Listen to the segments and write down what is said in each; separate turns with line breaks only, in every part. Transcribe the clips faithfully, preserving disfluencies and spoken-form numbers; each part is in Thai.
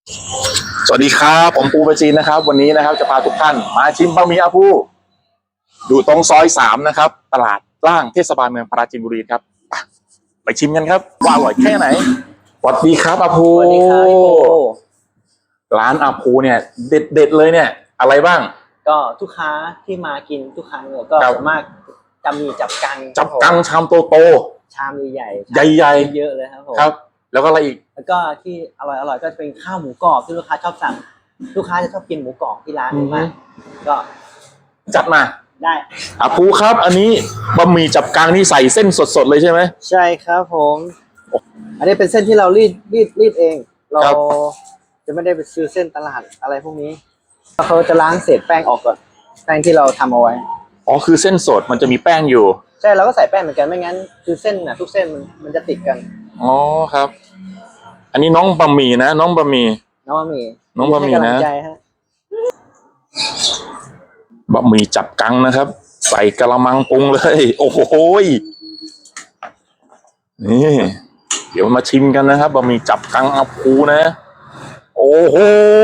สวัสดีครับผมปูประจีนนะครับวันนี้นะครับจะพาทุกท่านมาชิมบะหมี่อาภูอยู่ตรงซอยสามนะครับตลาดล่างเทศบาลเมืองปราจีนบุรีครับไปไปชิมกันครับว่าอร่อยแค่ไหนสวัสดีครับอาภู
สวัสดีครับพี่ปู
ร้านอาภูเนี่ยเด็ดเด็ดเลยเนี่ยอะไรบ้าง
ก็ทุกค้าที่มากินทุกครั้งเนี่ยก็ส่วนมากจะมีจับกัง
จับกังชามโตโต
ชามใหญ่
ใหญ่ใหญ่
เยอะเลยครับผม
ครับแล้วก็อะไรอีก
แล้วก็ที่อร่อยอร่อยก็เป็นข้าวหมูกรอบที่ลูกค้าชอบสั่งลูกค้าจะชอบกินหมูกรอบที่ร้านนี้มากก็
จัดมา
ได้
อาภูครับอันนี้บะหมี่จับกังนี่ใส่เส้นสดๆเลยใช่ไหม
ใช่ครับผมอันนี้เป็นเส้นที่เรารีดรีดรีดเองเราจะไม่ได้ไปซื้อเส้นตลาดอะไรพวกนี้เขาจะล้างเศษแป้งออกก่อนแป้งที่เราทำเอาไว้
อ๋อคือเส้นสดมันจะมีแป้งอยู่
ใช่เราก็ใส่แป้งเหมือนกันไม่งั้นคือเส้นน่ะทุกเส้นมันมันจะติดกัน
อ๋อครับอันนี้น้องบะหมี่นะน้องบะหมี่
น้องบะหมี่
น้องบะหมี่นะบะหมี่จับกังนะครับใส่กะละมังปรุงเลยโอ้โหนี่เดี๋ยวมาชิมกันนะครับบะหมี่จับกังอาภูนะโอ้โห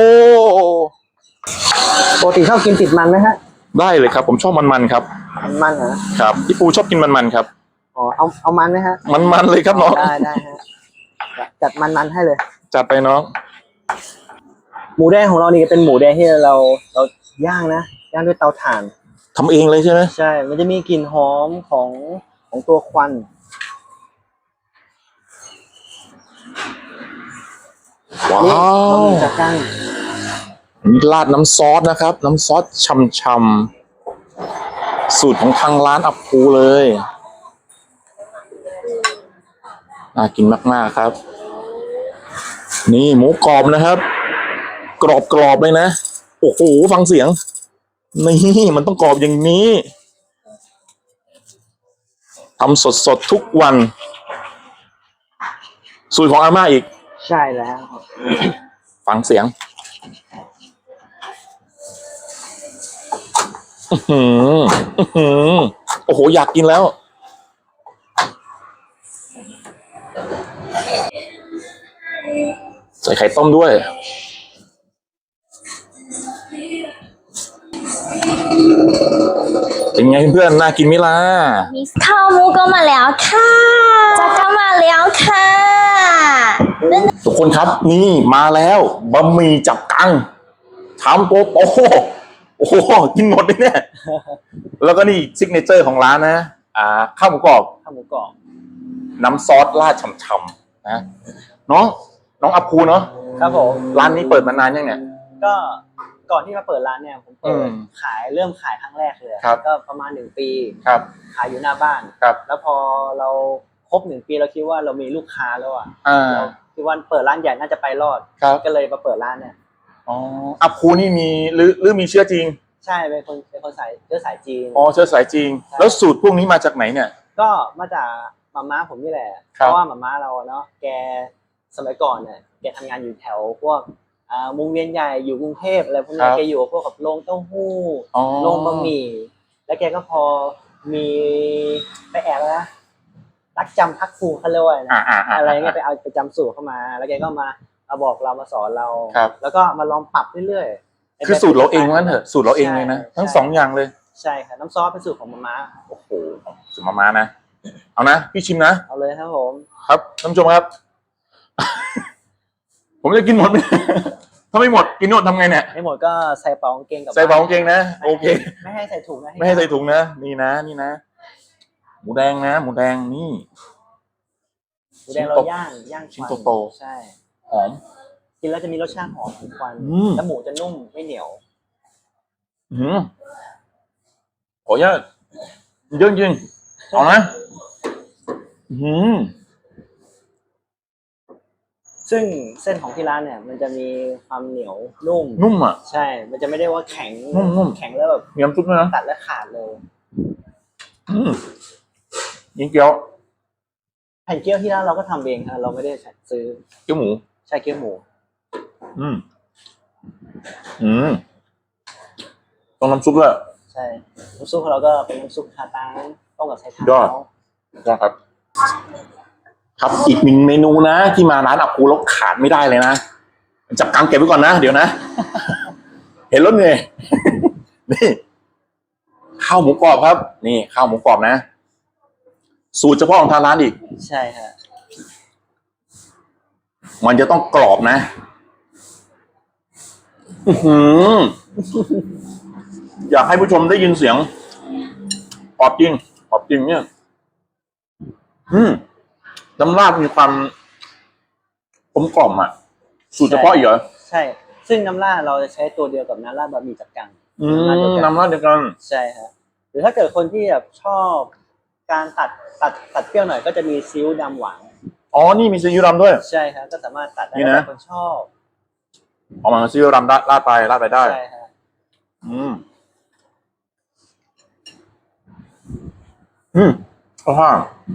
ปกติชอบกินติดมันไหมฮะ
ได้เลยครับผมชอบมันๆครับ
มันเหรอ
ครับพี่ปูชอบกินมันๆครับ
อ๋อเอาเอามันไหมฮะ
มันๆเลยครับน้อง
ได้ได้ฮะจัดมันๆให้เลย
จัดไปน้อง
หมูแดงของเรานี่เป็นหมูแดงที่เราเราย่างนะย่างด้วยเตาถ่าน
ทำเองเลยใช่ไหม
ใช่มันจะมีกลิ่นหอมของของตัวควัน
ว้าว
จัดจ้าน
ราดน้ำซอสนะครับน้ำซอสช่ำๆสูตรของทางร้านอาภูเลยน่ากินมากๆครับนี่หมูกรอบนะครับกรอบๆเลยนะโอ้โหฟังเสียงนี่มันต้องกรอบอย่างนี้ทำสดๆทุกวันสูตรของอาม่าอีก
ใช่แล้ว
ฟังเสียงอือหือโอ้โหอยากกินแล้วใส่ไข่ต้มด้วยเป็นไงเพื่อนน่ากินไหมล่ะ
ข้าวหมูก็มาแล้วค่ะจะก็มาแล้วค่ะ
ทุกคนครับนี่มาแล้วบะหมี่จับกังชามโตโตโอ้โหกินหมดเลยเนี่ยแล้วก็นี่ซิกเนเจอร์ของร้านนะอ่าข้าวหมูกรอบ
ข้าวหมูกรอบ
น้ำซอสราดฉ่ำๆนะน้องน้องอาภูเนาะ
ครับผม
ร้านนี้เปิดมานานยังเนี่ย
ก็ก่อนที่มาเปิดร้านเนี่ยผมเปิดขายเริ่มขายครั้งแรกเลยก็ประมาณหนึ่งปี
ครับ
ขายอยู่หน้าบ้าน
ครับ
แล้วพอเราครบหนึ่งปีเราคิดว่าเรามีลูกค้าแล้วอ่ะ
เรา
คิดว่าเปิดร้านใหญ่น่าจะไปรอดก็เลยมาเปิดร้านเนี่ย
อ๋ออาภูนี่มีหรือหรือมีเชื้อจีน
ใช่เป็นคนเป็นคนสายเชื้อสายจีน
อ๋อเชื้อสายจีนแล้วสูตรพวกนี้มาจากไหนเนี่ย
ก็มาจากมาม่าผมนี่แหละเพราะว่ามาม่าเราเนาะแกสมัยก่อนเนี่ยแกทำงานอยู่แถวพวกอ่าวงเวียนใหญ่อยู่กรุงเทพอะไรพวกนี้แกอยู่พวกกับโรงเต้าหู้โรงบะหมี่แล้วแกก็พอมีไปแอบนะรักจำพักครูเขาเรียกว่านะอะไรเงี้ยไปเอาไปจำสูตรเข้ามาแล้วแกก็มามาบอกเรามาสอนเราแล้วก็มาลองปรับเรื่อย
ๆคือสูตรเราเองนั่นเถอะสูตรเราเองเลยนะทั้งสองอย่างเลย
ใช่ค่ะน้ำซอสเป็นสูตรของมาม่า
โอ้โหสูตรมาม่านะเอานะพี่ชิมนะ
เอาเลยครับผม
ครับท่านผู้ชมครับ ผมจะกินหมดไหมถ้าไม่หมดกินหมดทำไงเนี่ย
ไม่หมดก็ใส่เป๋ากางเกงกับ
ใส่เป๋ากางเกงนะโอเค
ไม่ให้ใส่ถุงนะ
ไม่ให้ใส่ถุงนะนี่นะนี่นะหมูแดงนะหมูแดงนี่
หมูแดงเราย่างย่าง
ชิ้นโต
ๆใช่
หอม
กินแล้วจะมีรสชาติหอมของควันแล้วหมูจะนุ่มไม่เหนียว
อืมขออนุญาตเยอะจริงเอานะอืม
ซึ่งเส้นของที่ร้านเนี่ยมันจะมีความเหนียวนุ่ม
นุ่มอ่ะ
ใช่มันจะไม่ได้ว่าแข็ง
นุ่ม
แข็งแล้วแบบ
มีน้ำซุปด้วยนะ
ตัดและขาดเลย
อืมยิงเกี๊ยว
แผ่นเกี๊ยวที่ร้านเราก็ทำเองครับเราไม่ได้ซื้อ
เกี๊ยวหมู
ใช่เกี๊ยวหมู
อืมอืมต้องน้ำซุปด้วย
ใช่น้ำซุปของเราก็เป็นน้ำซุปคาตังต้มกับไชเท้าย
อดยอดครับครับอีกหนึ่งเมนูนะที่มาร้านอาภูแล้วขาดไม่ได้เลยนะจับกังเก็บไว้ก่อนนะเดี๋ยวนะ เห็นรถเหนื่อย นี่ข้าวหมูกรอบครับ นี่ข้าวหมูกรอบนะ สูตรเฉพาะของทางร้านอีก
ใช่ฮะ
มันจะต้องกรอบนะ อื้อหือ อยากให้ผู้ชมได้ยินเสียงกรอบจริงกรอบจริงเนี่ย อืมน้ำราดมีความกลมกล่อมอ่ะ สูตรเฉพาะอีกเหรอ
ใช่ ซึ่งน้ำราดเราจะใช้ตัวเดียวกับน้ำราดบะหมี่จับกัง
อืมน้ำราดเดียวกัน
ใช่ฮะหรือถ้าเกิดคนที่แบบชอบการตัดตัดตัดเปรี้ยวหน่อยก็จะมีซีอิ๊วดำหวาน
อ๋อ นี่มีซีอิ๊วดำด้วย
ใช่ฮะก็สามารถตัดได้
นี่นะ
แล้วแต่คนชอบ
ออกมาซีอิ๊วดำราดราดไปราดไปได้
ใช่ฮะ
อืม อืมข้าวห้า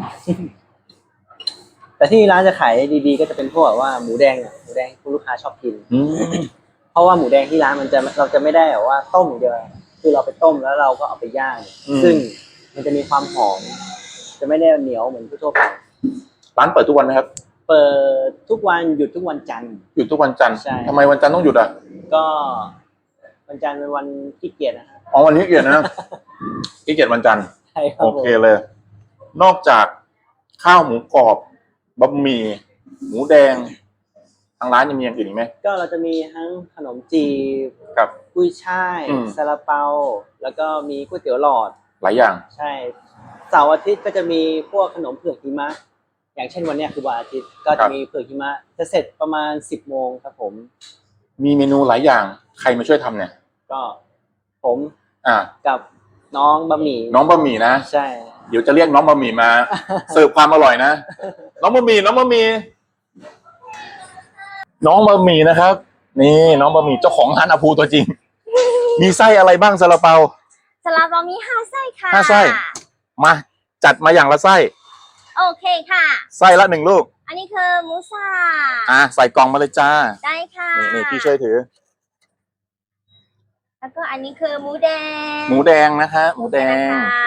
แต่ที่ร้านจะขายดีๆก็จะเป็นพวกแบบว่าหมูแดงอะหมูแดงที่ลูกค้าชอบกิน
อืม
เพราะว่าหมูแดงที่ร้านมันจะเราจะไม่ได้แบบว่าต้มอย่างเดียวคือเราไปต้มแล้วเราก็เอาไปย่าง
อืม
ซึ่งมันจะมีความหอมจะไม่ได้เหนียวเหมือนทั่วไป
ร้านเปิดทุกวันไหมครับ
เปิดทุกวันหยุดทุกวันจันทร์
หยุดทุกวันจันทร์
ใช่
ทำไมวันจันทร์ต้องหยุดอ่ะ
ก็วันจันทร์เป็นวันขี้เกียจนะฮะ
อ๋อวันนี้เกียรตินะ ขี้เกียรติวันจันทร์
ใช่ครับ
โอเคเลย นอกจากข้าวหมูกรอบบะหมี่หมูแดง ทางร้านยังมีอย่างอื่นอีกไหม
ก็เราจะมีทั้งขนมจีบ
ครับ
กุ้ยช่าย
อืม
ซาลาเปา แล้วก็มีก๋วยเตี๋ยวหลอด
หลายอย่าง
ใช่เสาร์อาทิตย์ก็จะมีพวกขนมเผือกหิมะ อย่างเช่นวันเนี้ยคือวันอาทิตย์ก็
ครั
จะ
บ
มีเผือกหิมะจะเสร็จประมาณสิบโมงครับผม
มีเมนูหลายอย่าง ใครมาช่วยทำเนี่ย
ก็ผม
อ่า
กับน้องบะหมี่
น้องบะหมี่นะ
ใช่
เดี๋ยวจะเรียกน้องบะหมี่มา เสิร์ฟความอร่อยนะ น้องบะหมี่น้องบะหมี่น้องบะหมี่นะครับ นี่น้องบะหมี่เจ้าของร้านอาภูตัวจริง มีไส้อะไรบ้างซาลาเปา
สลับเรามีห้าไส้ค่ะ
ห้าไส้ มาจัดมาอย่างละไส้
โอเคค่ะ
ไส้ละหนึ่งลูก
อันนี้คือหมูสั
อ่ะ
บ
ใส่กล่องมาเลยจ้า
ได้ค่ะ
นี่นี่พี่ช่วยถือ
แล้วก็อันนี้คือหมูแดง
หมูแดงนะคะหมูแดง
นะคะ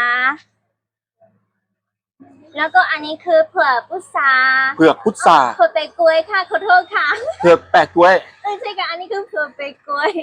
แล้วก็อันนี้คือเผือกพุทรา
เผือกพุทรา
เผือกเปกกล้วยค่ะขอโทษค่ะ
เผือกแปะกล้วย
เออใช่ค่ะอันนี้คือเผือกเปกกล้วย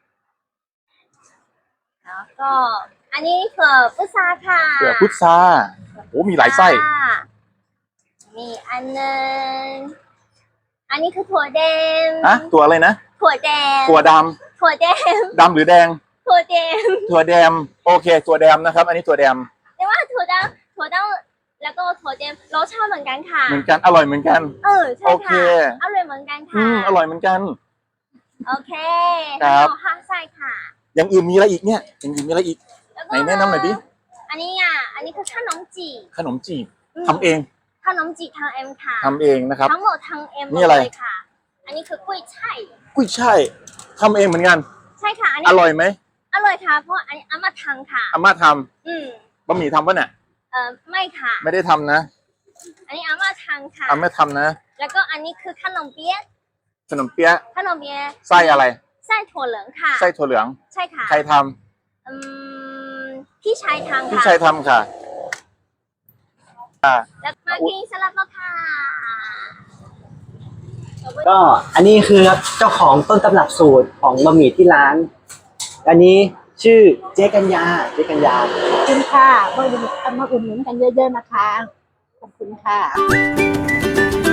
แล้วก็อันนี้เผือกพุทราค่ะ
เผือกพุทราโอ้มีหลายไส้
ค่ะมีอันหนึงอันนี้คือถั่วแดง
อะตัวอะไรนะ
ถั่วแดง
ตัวด
ถั่วแดง
ำดำหรือแดง
ถั่วแดง
ถั่วแดมโอเคถั่วแดมนะครับ อันนี้ถั่วแดม
แต่ว่าถั่วดำถั่วดำแล้วก็ถั่วแดงรสชาติเหมือนกันค่ะ
เหมือนกันอร่อยเหมือนกัน
เออใช่
โอเค
ค่ะอร่อยเหมือนกัน
อื
ค่ะ
มอร่อยเหมือนกัน
โอเค
ครับ
ทั้งหมดห้าไส้ค่ะ
อย่างอื่นมีอะไรอีกเนี่ยอย่างอื่นมีอะไรอีก
แล้วก็
ไหนแนะนำหน่อยดิ
อันนี้อ่ะอันนี้คือขนมจี
ขนมจีบ
ม
ทำเอง
ขนมจีทางเอ็มค่ะ
ทำเองนะครับ
ทั้งหมดทางเอ็ม
นี่อะไร
เลยค่ะ อันนี้คือกล้วยช่าย
กุ้ยช่ายทำเองเหมือนกัน
ใช่ค่ะ อันนี้
อร่อยไหม
อร่อยค่ะ เพราะอันนี้อามาทำค่ะ
อาม่าท
อืม
ำบะหมี่ทำปะเนี่ย
เออไม่ค่ะ
ไม่ได้ทำนะ
อันนี้อามาทำค่ะ
อาม่าทำนะ
แล้วก็อันนี้คือขนมเปี๊ยะ
ขนมเปี๊ยะ
ขนมเปี๊ยะ
ไส้อะไร
ไส้ถั่วเหลืองค่ะ
ไส้ถั่วเหลือง
ใช่ค่ะ
ใครท
อืมพี่ชายทำ
ำพี่
ค่ะ
ชายทำค่ะ
แล้วมากินสลัดแล้วค่ะ
ก็อันนี้คือเจ้าของต้นตำรับสูตรของบะหมี่ที่ร้าน อันนี้ชื่อเจ๊กัญญาเจ๊กัญญา
ขอบคุณค่ะมาอุดหนุนมาอุดหนุนกันเยอะๆนะคะ ขอบคุณค่ะ